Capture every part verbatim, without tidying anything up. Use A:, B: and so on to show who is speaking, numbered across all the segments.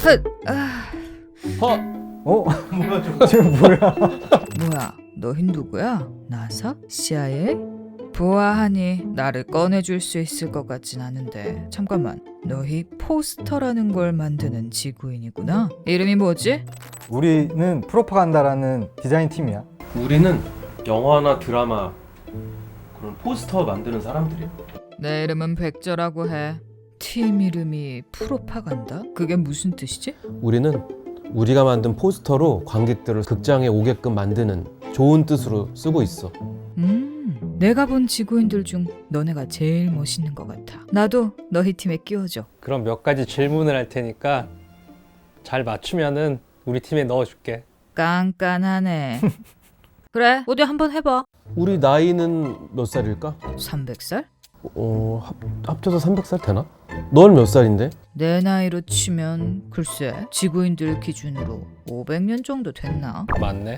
A: 헛! 아,
B: 어?
C: 어?
B: 뭐야 저거?
C: 지금 뭐야?
A: 뭐야? 너흰 누구야? 나사? 씨아이에이? 보아하니 나를 꺼내줄 수 있을 것 같진 않은데 잠깐만, 너희 포스터라는 걸 만드는 지구인이구나? 이름이 뭐지?
C: 우리는 프로파간다라는 디자인 팀이야.
B: 우리는 영화나 드라마 그런 포스터 만드는 사람들이야.
A: 내 이름은 백저라고 해. 팀 이름이 프로파간다? 그게 무슨 뜻이지?
D: 우리는 우리가 만든 포스터로 관객들을 극장에 오게끔 만드는 좋은 뜻으로 쓰고 있어.
A: 음, 내가 본 지구인들 중 너네가 제일 멋있는 것 같아. 나도 너희 팀에 끼워줘.
E: 그럼 몇 가지 질문을 할 테니까 잘 맞추면은 우리 팀에 넣어줄게.
A: 깐깐하네. 그래, 어디 한번 해봐.
D: 우리 나이는 몇 살일까?
A: 삼백 살?
D: 어, 합, 합쳐서 삼백 살 되나? 넌 몇 살인데?
A: 내 나이로 치면 글쎄 지구인들 기준으로 오백 년 정도 됐나?
E: 맞네.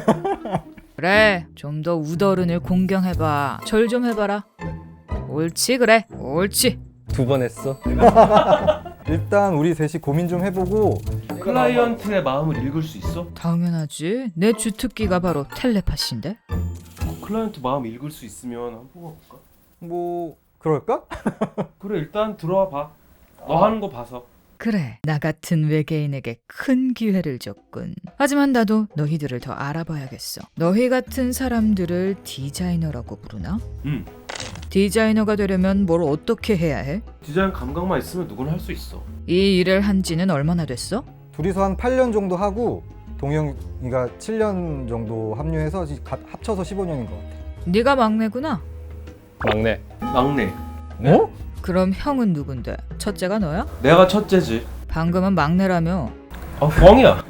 A: 그래, 좀 더 우더른을 공경해봐. 절 좀 해봐라. 옳지, 그래, 옳지.
E: 두 번 했어.
C: 일단 우리 셋이 고민 좀 해보고
B: 클라이언트의 마음을 읽을 수 있어?
A: 당연하지. 내 주특기가 바로 텔레파시인데.
B: 클라이언트 마음 읽을 수 있으면 한번 뽑아볼까?
C: 뭐 그럴까?
B: 그래 일단 들어와 봐. 너 하는 거 봐서.
A: 그래, 나 같은 외계인에게 큰 기회를 줬군. 하지만 나도 너희들을 더 알아봐야겠어. 너희 같은 사람들을 디자이너라고 부르나?
B: 응.
A: 디자이너가 되려면 뭘 어떻게 해야 해?
B: 디자인 감각만 있으면 누구나 할 수 있어.
A: 이 일을 한 지는 얼마나 됐어?
C: 둘이서 한 팔 년 정도 하고 동영이가 칠 년 정도 합류해서 지- 가- 합쳐서 십오 년인 것 같아.
A: 네가 막내구나.
E: 막내.
B: 막내.
C: 어?
A: 그럼 형은 누군데? 첫째가 너야?
B: 내가 첫째지.
A: 방금은 막내라며.
B: 아 뻥이야.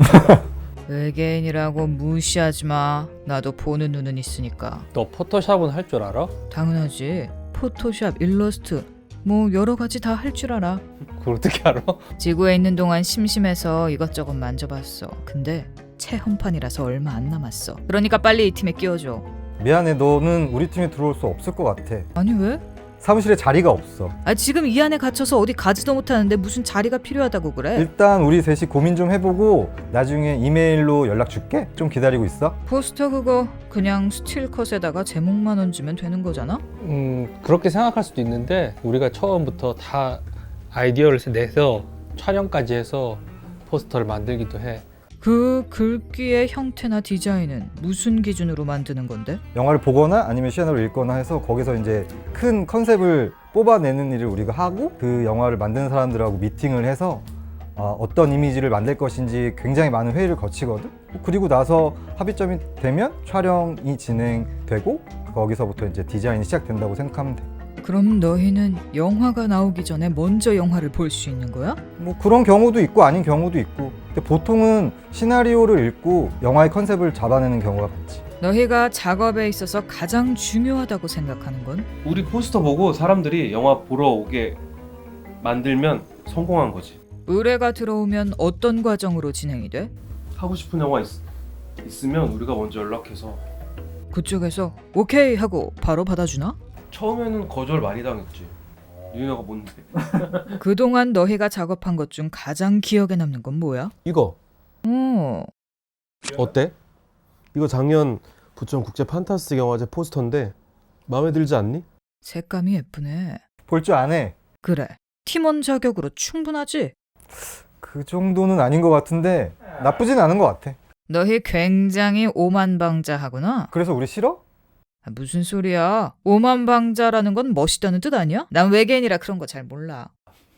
A: 외계인이라고 무시하지 마. 나도 보는 눈은 있으니까.
E: 너 포토샵은 할 줄 알아?
A: 당연하지. 포토샵, 일러스트 뭐 여러 가지 다 할 줄 알아.
E: 그걸 어떻게 알아?
A: 지구에 있는 동안 심심해서 이것저것 만져봤어. 근데 체험판이라서 얼마 안 남았어. 그러니까 빨리 이 팀에 끼워줘.
C: 미안해, 너는 우리 팀에 들어올 수 없을 것 같아.
A: 아니 왜?
C: 사무실에 자리가 없어.
A: 아 지금 이 안에 갇혀서 어디 가지도 못하는데 무슨 자리가 필요하다고 그래?
C: 일단 우리 셋이 고민 좀 해보고 나중에 이메일로 연락 줄게. 좀 기다리고 있어.
A: 포스터 그거 그냥 스틸컷에다가 제목만 얹으면 되는 거잖아?
E: 음 그렇게 생각할 수도 있는데 우리가 처음부터 다 아이디어를 내서 촬영까지 해서 포스터를 만들기도 해.
A: 그 글귀의 형태나 디자인은 무슨 기준으로 만드는 건데?
C: 영화를 보거나 아니면 시나리오를 읽거나 해서 거기서 이제 큰 컨셉을 뽑아내는 일을 우리가 하고 그 영화를 만드는 사람들하고 미팅을 해서 어, 어떤 이미지를 만들 것인지 굉장히 많은 회의를 거치거든. 그리고 나서 합의점이 되면 촬영이 진행되고 거기서부터 이제 디자인이 시작된다고 생각하면 돼.
A: 그럼 너희는 영화가 나오기 전에 먼저 영화를 볼 수 있는 거야?
C: 뭐 그런 경우도 있고 아닌 경우도 있고. 근데 보통은 시나리오를 읽고 영화의 컨셉을 잡아내는 경우가 많지.
A: 너희가 작업에 있어서 가장 중요하다고 생각하는 건?
B: 우리 포스터 보고 사람들이 영화 보러 오게 만들면 성공한 거지.
A: 의뢰가 들어오면 어떤 과정으로 진행이 돼?
B: 하고 싶은 영화 있, 있으면 우리가 먼저 연락해서.
A: 그쪽에서 오케이 하고 바로 받아주나?
B: 처음에는 거절 많이 당했지. 니네가 뭔데?
A: 그동안 너희가 작업한 것 중 가장 기억에 남는 건 뭐야?
D: 이거
A: 어,
D: 어때? 이거 작년 부천 국제 판타스틱 영화제 포스터인데 마음에 들지 않니?
A: 색감이 예쁘네.
C: 볼 줄 아네.
A: 그래, 팀원 자격으로 충분하지?
C: 그 정도는 아닌 것 같은데 나쁘진 않은 것 같아.
A: 너희 굉장히 오만방자하구나.
C: 그래서 우리 싫어?
A: 아, 무슨 소리야? 오만방자라는 건 멋있다는 뜻 아니야? 난 외계인이라 그런 거 잘 몰라.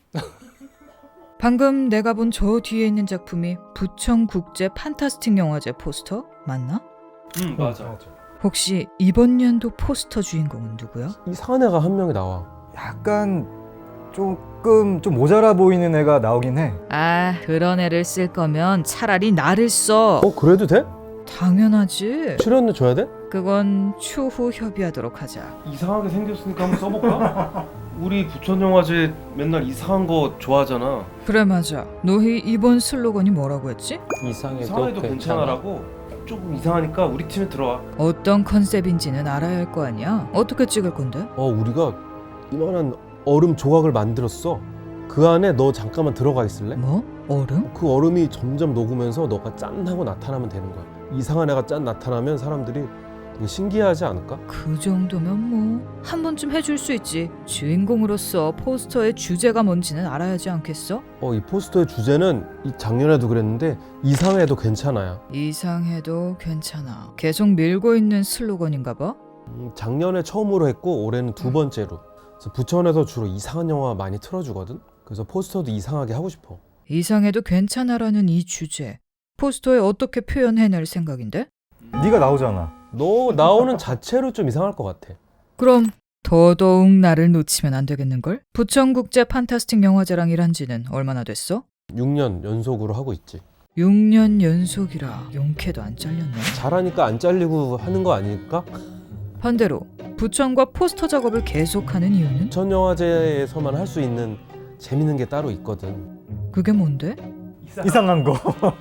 A: 방금 내가 본 저 뒤에 있는 작품이 부천국제 판타스틱 영화제 포스터 맞나?
B: 응 맞아.
A: 혹시 이번 연도 포스터 주인공은 누구야?
D: 이상한 애가 한 명이 나와.
C: 약간 조금 좀 모자라 보이는 애가 나오긴 해.
A: 아, 그런 애를 쓸 거면 차라리 나를 써.
D: 어 그래도 돼?
A: 당연하지.
D: 출연료 줘야 돼?
A: 그건 추후 협의하도록 하자.
B: 이상하게 생겼으니까 한번 써볼까? 우리 부천영화제 맨날 이상한 거 좋아하잖아.
A: 그래 맞아. 너희 이번 슬로건이 뭐라고 했지?
E: 이상해도,
B: 이상해도 괜찮아라고. 조금 이상하니까 우리 팀에 들어와.
A: 어떤 컨셉인지는 알아야 할 거 아니야? 어떻게 찍을 건데?
D: 어 우리가 이만한 얼음 조각을 만들었어. 그 안에 너 잠깐만 들어가 있을래?
A: 뭐? 얼음?
D: 그 얼음이 점점 녹으면서 너가 짠 하고 나타나면 되는 거야. 이상한 애가 짠 나타나면 사람들이 되게 신기하지 않을까?
A: 그 정도면 뭐 한 번쯤 해줄 수 있지. 주인공으로서 포스터의 주제가 뭔지는 알아야지 않겠어?
D: 어, 이 포스터의 주제는 이 작년에도 그랬는데 이상해도 괜찮아야.
A: 이상해도 괜찮아. 계속 밀고 있는 슬로건인가 봐.
D: 음, 작년에 처음으로 했고 올해는 두 번째로. 그래서 부천에서 주로 이상한 영화 많이 틀어주거든. 그래서 포스터도 이상하게 하고 싶어.
A: 이상해도 괜찮아라는 이 주제. 포스터에 어떻게 표현해낼 생각인데?
C: 네가 나오잖아.
D: 너 나오는 자체로 좀 이상할 것 같아.
A: 그럼 더더욱 나를 놓치면 안 되겠는걸? 부천국제 판타스틱 영화제랑 일한 지는 얼마나 됐어?
D: 육 년 연속으로 하고 있지.
A: 육 년 연속이라 용케도 안 잘렸네.
D: 잘하니까 안 잘리고 하는 거 아닐까?
A: 반대로 부천과 포스터 작업을 계속하는 이유는?
D: 부천 영화제에서만 할 수 있는 재밌는 게 따로 있거든.
A: 그게 뭔데?
C: 이상한 거.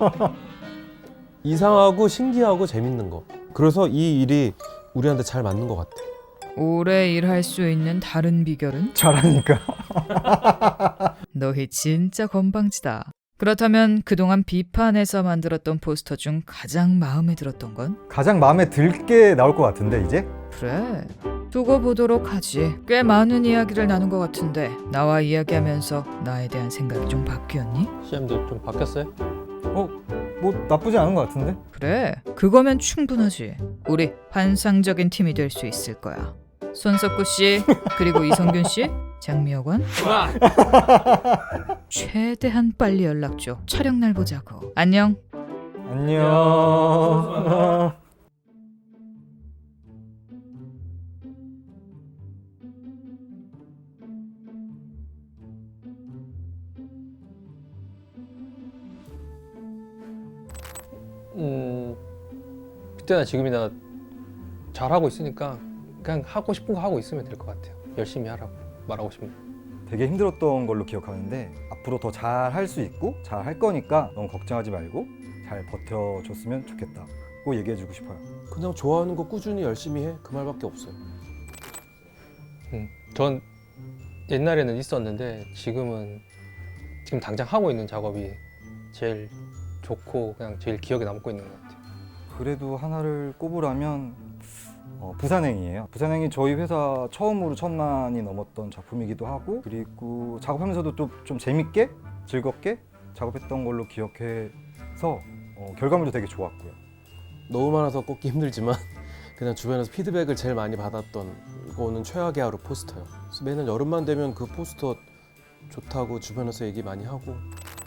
D: 이상하고 신기하고 재밌는 거. 그래서 이 일이 우리한테 잘 맞는 것 같아.
A: 오래 일할 수 있는 다른 비결은?
C: 잘하니까.
A: 너희 진짜 건방지다. 그렇다면 그동안 비판해서 만들었던 포스터 중 가장 마음에 들었던 건?
C: 가장 마음에 들게 나올 것 같은데 이제?
A: 그래, 두고 보도록 하지. 꽤 많은 이야기를 나눈 것 같은데 나와 이야기하면서 나에 대한 생각이 좀 바뀌었니?
E: 씨엠도 좀 바뀌었어요?
C: 어? 뭐 나쁘지 않은 것 같은데?
A: 그래, 그거면 충분하지. 우리 환상적인 팀이 될 수 있을 거야. 손석구 씨, 그리고 이성균 씨, 장미여관. 최대한 빨리 연락 줘. 촬영 날 보자고. 안녕.
C: 안녕.
E: 음, 그때나 지금이나 잘하고 있으니까 그냥 하고 싶은 거 하고 있으면 될 것 같아요. 열심히 하라고 말하고 싶네요.
C: 되게 힘들었던 걸로 기억하는데 앞으로 더 잘 할 수 있고 잘 할 거니까 너무 걱정하지 말고 잘 버텨줬으면 좋겠다. 꼭 얘기해주고 싶어요.
D: 그냥 좋아하는 거 꾸준히 열심히 해. 그 말밖에 없어요.
E: 음, 전 옛날에는 있었는데 지금은 지금 당장 하고 있는 작업이 제일 좋고 그냥 제일 기억에 남고 있는 것 같아요.
C: 그래도 하나를 꼽으라면 어, 부산행이에요. 부산행이 저희 회사 처음으로 천만이 넘었던 작품이기도 하고 그리고 작업하면서도 또 좀 재밌게 즐겁게 작업했던 걸로 기억해서 어, 결과물도 되게 좋았고요.
D: 너무 많아서 꼽기 힘들지만 그냥 주변에서 피드백을 제일 많이 받았던 거는 최악의 하루 포스터요. 그래서 매년 여름만 되면 그 포스터 좋다고 주변에서 얘기 많이 하고.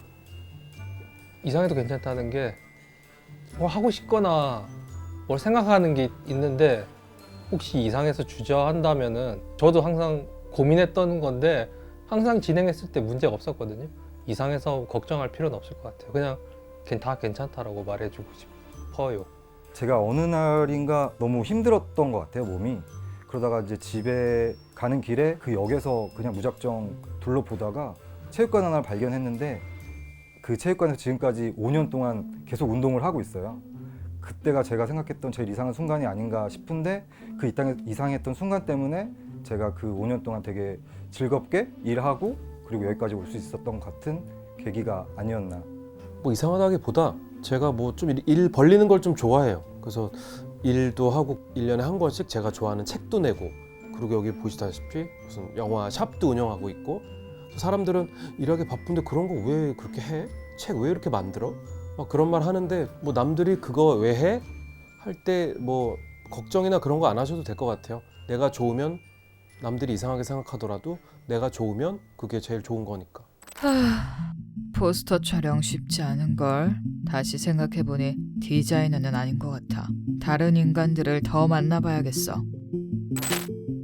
E: 이상해도 괜찮다는 게 뭐 하고 싶거나 뭘 생각하는 게 있는데 혹시 이상해서 주저한다면은 저도 항상 고민했던 건데 항상 진행했을 때 문제가 없었거든요. 이상해서 걱정할 필요는 없을 것 같아요. 그냥 그냥 다 괜찮다라고 말해주고 싶어요.
C: 제가 어느 날인가 너무 힘들었던 것 같아요, 몸이. 그러다가 이제 집에 가는 길에 그 역에서 그냥 무작정 둘러보다가 체육관 하나를 발견했는데 그 체육관에서 지금까지 오 년 동안 계속 운동을 하고 있어요. 그때가 제가 생각했던 제일 이상한 순간이 아닌가 싶은데 그 이땅에- 이상했던 순간 때문에 제가 그 오 년 동안 되게 즐겁게 일하고 그리고 여기까지 올 수 있었던 것 같은 계기가 아니었나.
D: 뭐 이상하다기보다 제가 뭐 좀 일 벌리는 걸 좀 좋아해요. 그래서 일도 하고 일 년에 한 권씩 제가 좋아하는 책도 내고 그리고 여기 보시다시피 무슨 영화 샵도 운영하고 있고 사람들은 일하기 바쁜데 그런 거 왜 그렇게 해? 책 왜 이렇게 만들어? 막 그런 말 하는데 뭐 남들이 그거 왜 해? 할 때 뭐 걱정이나 그런 거 안 하셔도 될 것 같아요. 내가 좋으면 남들이 이상하게 생각하더라도 내가 좋으면 그게 제일 좋은 거니까.
A: 하... 포스터 촬영 쉽지 않은걸. 다시 생각해보니 디자이너는 아닌 것 같아. 다른 인간들을 더 만나봐야겠어.